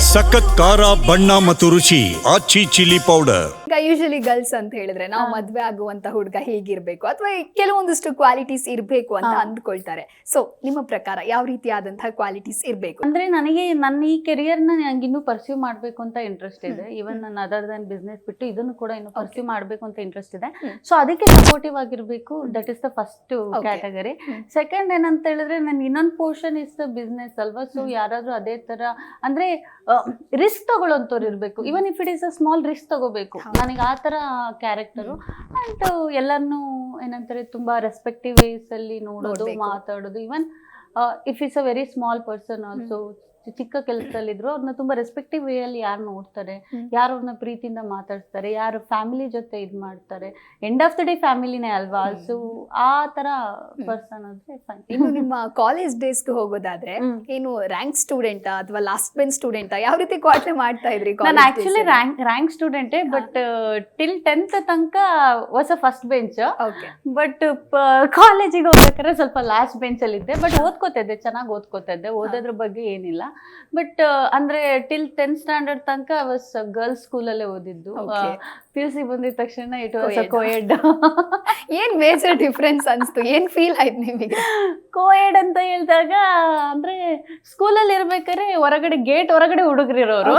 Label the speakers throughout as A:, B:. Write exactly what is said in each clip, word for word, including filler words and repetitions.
A: ಸಖತ್ ಖಾರ ಬಣ್ಣ ಮತ್ತು ರುಚಿ ಆಚಿ ಚಿಲ್ಲಿ ಪೌಡರ್.
B: ಈಗ ಯೂಶಲಿ ಗರ್ಲ್ಸ್ ಅಂತ ಹೇಳಿದ್ರೆ ನಾವು ಮದ್ವೆ ಆಗುವಂತ ಹುಡುಗ ಹೇಗಿರ್ಬೇಕು ಅಥವಾ ಕೆಲವೊಂದಿಷ್ಟು ಕ್ವಾಲಿಟೀಸ್ ಇರಬೇಕು ಅಂತ ಅಂದ್ಕೊಳ್ತಾರೆ. ಸೊ ನಿಮ್ಮ ಪ್ರಕಾರ ಯಾವ ರೀತಿಯಾದಂತಹ ಕ್ವಾಲಿಟೀಸ್ ಇರಬೇಕು?
C: ಅಂದ್ರೆ ನನಗೆ ನನ್ನ ಈ ಕೆರಿಯರ್ ನ ನಂಗೆ ಇನ್ನೂ ಪರ್ಸ್ಯೂ ಮಾಡ್ಬೇಕು ಅಂತ ಇಂಟ್ರೆಸ್ಟ್ ಇದೆ. ಇವನ್ ನನ್ನ ಅದರ್ ದನ್ ಬಿಸ್ನೆಸ್ ಬಿಟ್ಟು ಇದನ್ನು ಕೂಡ ಇನ್ನು ಪರ್ಸ್ಯೂ ಮಾಡ್ಬೇಕು ಅಂತ ಇಂಟ್ರೆಸ್ಟ್ ಇದೆ. ಸೊ ಅದಕ್ಕೆ ಸಪೋರ್ಟಿವ್ ಆಗಿರ್ಬೇಕು. That is the first category. Second ಏನಂತ ಹೇಳಿದ್ರೆ ನನ್ ಇನ್ನೊಂದು ಪೋರ್ಷನ್ ಇಸ್ ದ ಬಿಸ್ನೆಸ್ ಅಲ್ವಾ. ಸೊ ಯಾರಾದ್ರೂ ಅದೇ ತರ ಅಂದ್ರೆ ರಿಸ್ಕ್ ತಗೊಳ್ಳೋಂಥವ್ರು ಇರ್ಬೇಕು. Even if it is a small risk ತಗೋಬೇಕು. ನನಗೆ ಆ ತರ ಕ್ಯಾರೆಕ್ಟರು ಅಂಡ್ ಎಲ್ಲರನ್ನೂ ಏನಂತಾರೆ ತುಂಬಾ ರೆಸ್ಪೆಕ್ಟಿವ್ ವೇಸ್ ಅಲ್ಲಿ ನೋಡೋದು, ಮಾತಾಡೋದು. Even if it's a very small person also, ಚಿಕ್ಕ ಕೆಲಸದಲ್ಲಿದ್ರು ಅವ್ರನ್ನ ತುಂಬಾ ರೆಸ್ಪೆಕ್ಟಿವ್ ವೇ ಅಲ್ಲಿ ಯಾರು ನೋಡ್ತಾರೆ, ಯಾರು ಅವ್ರನ್ನ ಪ್ರೀತಿಯಿಂದ ಮಾತಾಡ್ತಾರೆ, ಯಾರು ಫ್ಯಾಮಿಲಿ ಜೊತೆ ಇದ್ ಮಾಡ್ತಾರೆ. ಎಂಡ್ ಆಫ್ ದ ಡೇ ಫ್ಯಾಮಿಲಿನೇ ಅಲ್ವಾ. ಸೊ ಆ ತರ ಪರ್ಸನ್ ಅಂದ್ರೆ ಫೈನ್.
B: ಇನ್ನು ನಿಮ್ಮ ಕಾಲೇಜ್ ಡೇಸ್ಗೆ ಹೋಗೋದಾದ್ರೆ ಏನು ರ್ಯಾಂಕ್ ಸ್ಟೂಡೆಂಟ್ ಅಥವಾ ಲಾಸ್ಟ್ ಬೆಂಚ್ ಸ್ಟೂಡೆಂಟ್ ಯಾವ ರೀತಿ ಕ್ವಾಟ್ಲೆ ಮಾಡ್ತಾ ಇದ್ರಿ?
C: ನಾನು ಆಕ್ಚುಲಿ ರ್ಯಾಂಕ್ ರ್ಯಾಂಕ್ ಸ್ಟೂಡೆಂಟೇ, ಬಟ್ ಟಿಲ್ ಟೆಂತ್ ತನಕ was a first bench. But ಕಾಲೇಜಿಗೆ ಹೋಗ್ಬೇಕಾದ್ರೆ ಸ್ವಲ್ಪ ಲಾಸ್ಟ್ ಬೆಂಚ್ ಅಲ್ಲಿ ಇದ್ದೆ. ಬಟ್ ಓದ್ಕೋತಾ ಇದ್ದೆ, ಚೆನ್ನಾಗಿ ಓದ್ಕೋತಾ ಇದ್ದೆ, ಓದೋದ್ರ ಬಗ್ಗೆ ಏನಿಲ್ಲ. ಬಟ್ ಅಂದ್ರೆ ಟಿಲ್ ಟೆಂತ್ ಸ್ಟ್ಯಾಂಡರ್ಡ್ ತನಕ ವಾಸ್ ಗರ್ಲ್ಸ್ ಸ್ಕೂಲಲ್ಲೇ ಓದಿದ್ದು. ಪಿ ಯು ಸಿ ಬಂದಿದ ತಕ್ಷಣ ಇಟ್ ವಾಸ್ ಅ ಕೋಯೆಡ್.
B: ಏನ್ ಮೇಜರ್ ಡಿಫ್ರೆನ್ಸ್ ಅನ್ಸ್ತು? ಏನ್ ಫೀಲ್ ಆಯ್ತು ನಿಮಗೆ?
C: ಕೋಯೆಡ್ ಅಂತ ಹೇಳಿದಾಗ ಅಂದ್ರೆ ಸ್ಕೂಲಲ್ಲಿ ಇರ್ಬೇಕಾದ್ರೆ ಹೊರಗಡೆ ಗೇಟ್ ಹೊರಗಡೆ ಹುಡುಗರಿರೋರು,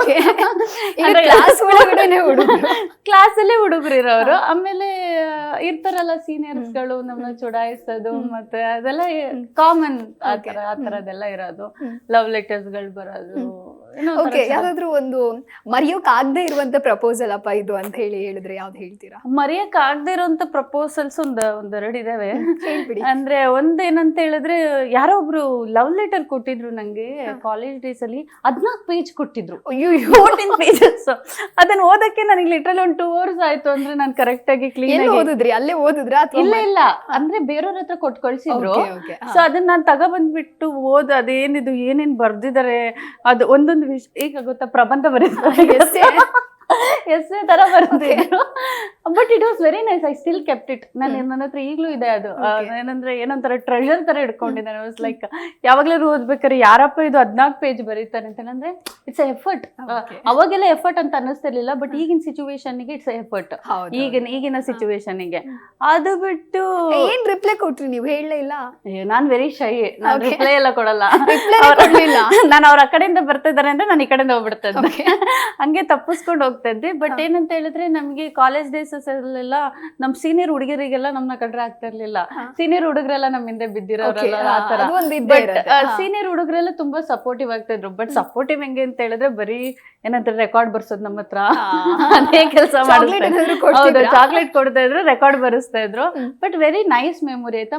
C: ಕ್ಲಾಸಲ್ಲೇ ಹುಡುಗರಿರೋರು. ಆಮೇಲೆ ಇರ್ತಾರಲ್ಲ ಸೀನಿಯರ್ಸ್ಗಳು ನಮ್ಮನ್ನ ಚುಡಾಯಿಸೋದು, ಮತ್ತೆ ಅದೆಲ್ಲ ಕಾಮನ್. ಆತರ ಆತರದೆಲ್ಲ ಇರೋದು. ಲವ್ ಲೆಟರ್ಸ್ ಗಳು ಬರೋದು.
B: ಯಾವ್ದಾದ್ರು ಒಂದು ಮರೆಯೋಕ್ ಆಗದೆ ಇರುವಂತ ಪ್ರಪೋಸಲ್ ಅಪ್ಪ ಇದು ಅಂತ ಹೇಳಿ ಹೇಳಿದ್ರೆ ಯಾವ್ದು ಹೇಳ್ತೀರಾ?
C: ಮರೆಯಕ್ ಆಗದೆ ಇರುವಂತ ಪ್ರಪೋಸಲ್ಸ್ ಒಂದ್ ಒಂದೆರಡು ಇದಾವೆ. ಅಂದ್ರೆ ಒಂದೇನಂತ ಹೇಳಿದ್ರೆ ಯಾರೋ ಒಬ್ರು ಲವ್ ಲೆಟರ್ ಕೊಟ್ಟಿದ್ರು ನಂಗೆ ಕಾಲೇಜ್ ಡೇಸ್ ಅಲ್ಲಿ. ಹದ್ನಾಲ್ಕು ಪೇಜ್ ಕೊಟ್ಟಿದ್ರು, ಫೋರ್ಟೀನ್ ಪೇಜಸ್. ಅದನ್ನ ಓದಕ್ಕೆ ನನಗೆ ಲಿಟ್ರಲ್ ಒಂದ್ ಟೂ ಅವರ್ಸ್ ಆಯ್ತು. ಅಂದ್ರೆ ನಾನು ಕರೆಕ್ಟ್ ಆಗಿ ಕ್ಲೀನ್
B: ಓದಿದ್ರಿ? ಅಲ್ಲೇ ಓದಿದ್ರ?
C: ಇಲ್ಲ ಇಲ್ಲ, ಅಂದ್ರೆ ಬೇರೆಯವ್ರ ಹತ್ರ ಕೊಟ್ಟು ಕಳ್ಸಿದ್ರು. ಸೊ ಅದನ್ನ ನಾನ್ ತಗೊಬಂದ್ಬಿಟ್ಟು ಓದ್ ಅದೇನಿದು ಏನೇನ್ ಬರ್ದಿದ್ದಾರೆ ಅದು ಒಂದೊಂದು ವಿಷಯ. ಈಗ ಗೊತ್ತಾ, ಪ್ರಬಂಧ ಬರೀತಾರೆ, ಎಸ್ಸೆ ತರ ಬರ್ತಿದ್ರು. But it was very nice. I still kept it. ನಾನು ನನ್ನ ಹತ್ರ ಈಗ್ಲೂ ಇದೆ ಅದು. ಏನಂದ್ರೆ ಏನೊಂಥರ ಟ್ರೆಷರ್ ತರ ಇಟ್ಕೊಂಡಿದ್ದಾನೆ. ವಾಸ್ ಲೈಕ್ ಯಾವಾಗ್ಲಾದ್ರು ಓದ್ಬೇಕಾದ್ರೆ ಯಾರಪ್ಪ ಇದು ಹದ್ನಾಲ್ಕು ಪೇಜ್ ಬರೀತಾರೆ ಅಂತ. ಅಂದ್ರೆ ಇಟ್ಸ್ ಎಫರ್ಟ್. ಅವಾಗೆಲ್ಲ ಎಫರ್ಟ್ ಅಂತ ಅನ್ನಿಸ್ತಿರ್ಲಿಲ್ಲ, ಬಟ್ ಈಗಿನ ಸಿಚುವೇಶನ್ ಗೆ ಇಟ್ಸ್ ಎಫರ್ಟ್. ಈಗಿನ ಈಗಿನ ಸಿಚುವೇಶನ್ ಗೆ ಅದು ಬಿಟ್ಟು
B: ಏನ್ ರಿಪ್ಲೈ ಕೊಟ್ರಿ ನೀವು? ಹೇಳಲೇ ಇಲ್ಲ.
C: ನಾನ್ ವೆರಿ ಶೈ. ನಾನು ರಿಪ್ಲೈ ಎಲ್ಲ ಕೊಡಲ್ಲ. ನಾನು ಅವ್ರ ಆ ಕಡೆಯಿಂದ ಬರ್ತಾ ಇದಾರೆ ಅಂದ್ರೆ ನಾನು ಈ ಕಡೆಯಿಂದ ಹೋಗ್ಬಿಡ್ತಾ ಇದ್ದೆ. ಹಂಗೆ ತಪ್ಪಿಸ್ಕೊಂಡು ಹೋಗ್ತಾ ಇದ್ದೆ. ಬಟ್ ಏನಂತ ಹೇಳಿದ್ರೆ ನಮ್ಗೆ ಕಾಲೇಜ್ ಡೇಸ್ ಅಲ್ಲೆಲ್ಲ ನಮ್ ಸೀನಿಯರ್ ಹುಡುಗರಿಗೆಲ್ಲ ನಮ್ನ ಕಂಡ್ರೆ ಆಗ್ತಾ ಇರ್ಲಿಲ್ಲ. ಸೀನಿಯರ್ ಹುಡುಗರೆಲ್ಲ ನಮ್ ಹಿಂದೆ ಬಿದ್ದಿರೋರಲ್ಲ ಆತರ. ಬಟ್ ಸೀನಿಯರ್ ಹುಡುಗರೆಲ್ಲ ತುಂಬಾ ಸಪೋರ್ಟಿವ್ ಆಗ್ತಾ ಇದ್ರು. ಬಟ್ ಸಪೋರ್ಟಿವ್ ಹೆಂಗೆ ಅಂತ ಹೇಳಿದ್ರೆ ಬರೀ ಏನಂತಾರೆ ರೆಕಾರ್ಡ್ ಬರ್ಸೋದು ನಮ್ಮ ಹತ್ರ, ಅದೇ ಕೆಲಸ ಮಾಡ್ತಾ ಇದ್ರು. ಚಾಕ್ಲೇಟ್ ಕೊಡ್ತಾ ಇದ್ರು, ರೆಕಾರ್ಡ್ ಬರೆಸ್ತಾ ಇದ್ರು. ಬಟ್ ವೆರಿ ನೈಸ್ ಮೆಮೊರಿ ಆಯ್ತಾ.